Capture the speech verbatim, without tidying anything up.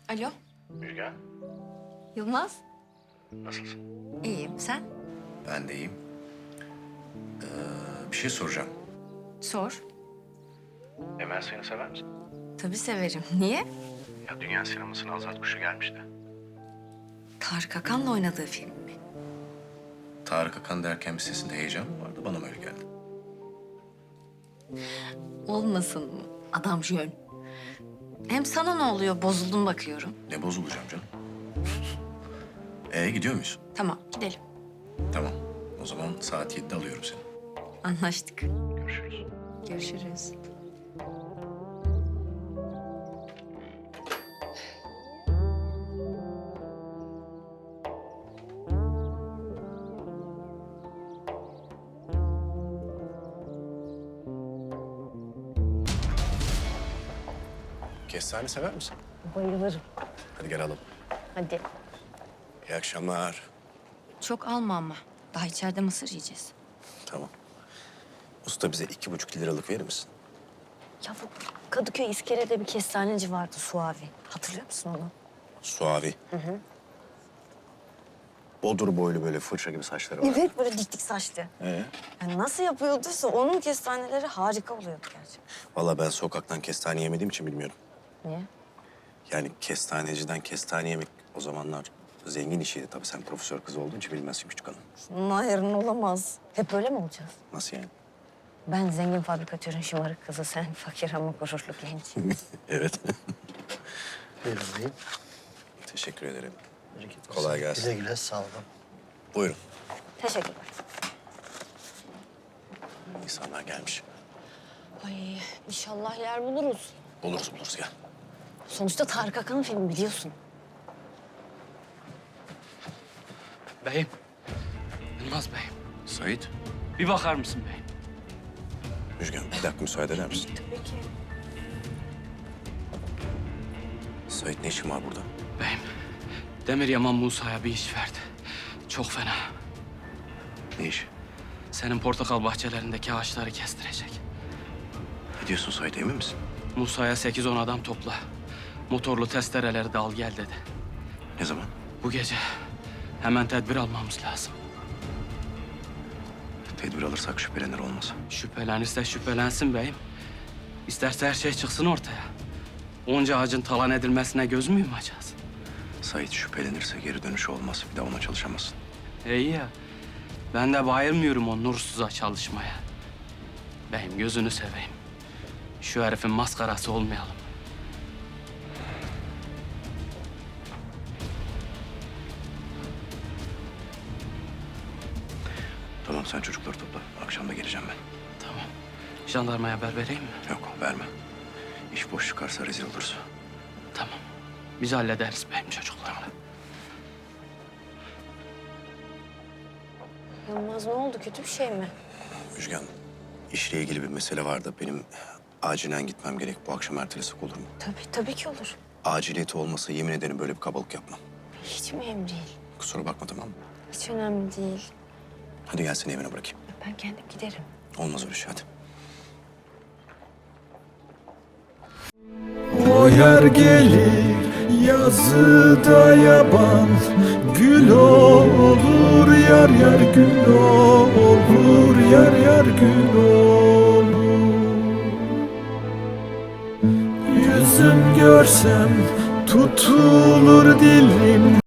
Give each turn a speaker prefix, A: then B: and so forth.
A: Alo,
B: Müjgan,
A: Yılmaz.
B: nasılsın?
A: İyiyim, sen?
B: Ben de iyiyim. Ee, bir şey soracağım.
A: Sor.
B: Emel seni sever misin?
A: Tabii severim. Niye?
B: Ya dünya sinemasına Azat Kuşu gelmişti.
A: Tarık Akan'la oynadığı film mi?
B: Tarık Akan derken bir sesinde heyecan mı vardı? Bana mı öyle geldi?
A: Olmasın mı? Adam jön. Hem sana ne oluyor? Bozuldum bakıyorum.
B: Ne bozulacağım canım? Ee gidiyor muyuz?
A: Tamam, gidelim.
B: Tamam. O zaman saat yedide alıyorum seni.
A: Anlaştık.
B: Görüşürüz.
A: Görüşürüz.
B: Kestane sever misin?
C: Bayılırım.
B: Hadi gel alalım.
C: Hadi.
B: İyi akşamlar.
A: Çok alma ama. Daha içeride mısır yiyeceğiz.
B: Tamam. Usta bize iki buçuk liralık verir misin?
C: Ya bu Kadıköy İskele'de bir kestaneci vardı Suavi. Hatırlıyor musun onu?
B: Suavi. Hı hı. Bodur boylu böyle fırça gibi saçları var.
C: Evet, böyle dik dik saçlı.
B: Ee?
C: Yani nasıl yapıyorduysa onun kestaneleri harika oluyordu gerçekten.
B: Vallahi ben sokaktan kestane yemediğim için bilmiyorum.
C: Niye?
B: Yani kestaneciden kestane yemek o zamanlar zengin işiydi tabii. Sen profesör kız olduğun için bilmezsin küçük hanım.
C: Bunun yarın olamaz. Hep öyle mi olacağız?
B: Nasıl yani?
C: Ben zengin fabrikatörün şımarık kızı, sen fakir ama gururlu genç.
B: Evet.
D: Buyurun beyim.
B: Teşekkür ederim.
D: Bereket
B: Kolay
D: olsun.
B: gelsin.
D: Güle güle sağ olun.
B: Buyurun.
C: Teşekkürler.
B: İnsanlar gelmiş.
C: Ay inşallah yer buluruz.
B: Buluruz buluruz gel.
C: Sonuçta Tarık Akan'ın filmi biliyorsun.
E: Beyim. Yılmaz beyim.
B: Sait.
E: Bir bakar mısın beyim?
B: Müjgan bir dakika müsaade eder misin?
C: Tabii ki.
B: Sait ne işin var burada?
E: Beyim. Demir Yaman Musa'ya bir iş verdi. Çok fena.
B: Ne iş?
E: Senin portakal bahçelerindeki ağaçları kestirecek.
B: Ne diyorsun Sait emin misin?
E: Musa'ya sekiz on adam topla. Motorlu testereleri de al gel dedi.
B: Ne zaman?
E: Bu gece hemen tedbir almamız lazım.
B: Tedbir alırsak şüphelenir olmaz.
E: Şüphelenirse şüphelensin beyim. İsterse her şey çıksın ortaya. Onca ağacın talan edilmesine göz mü yumacağız?
B: Sait şüphelenirse geri dönüşü olmaz. Bir daha ona çalışamazsın.
E: İyi ya. Ben de bayılmıyorum o nursuza çalışmaya. Beyim gözünü seveyim. Şu herifin maskarası olmayalım.
B: Tamam sen çocukları topla. Akşam da geleceğim ben.
E: Tamam. Jandarmaya haber vereyim mi?
B: Yok verme. İş boş çıkarsa rezil oluruz.
E: Tamam. Biz hallederiz beyim çocuklarla.
C: Yılmaz ne oldu? Kötü bir şey mi?
B: Müjgan, işle ilgili bir mesele vardı. Benim acilen gitmem gerek. Bu akşam ertelesek olur mu?
C: Tabii, tabii ki olur.
B: Aciliyeti olmasa yemin ederim böyle bir kabalık yapmam.
C: Hiç mühim değil.
B: Kusura bakma tamam mı?
C: Hiç önemli değil.
B: Hadi gel seni evine bırakayım.
C: Ben kendim giderim.
B: Olmaz öyle şey hadi.
F: O yer gelir yazıda yaban, gül olur yar yar gül olur yar yar gül olur. Yüzüm görsem tutulur dilim.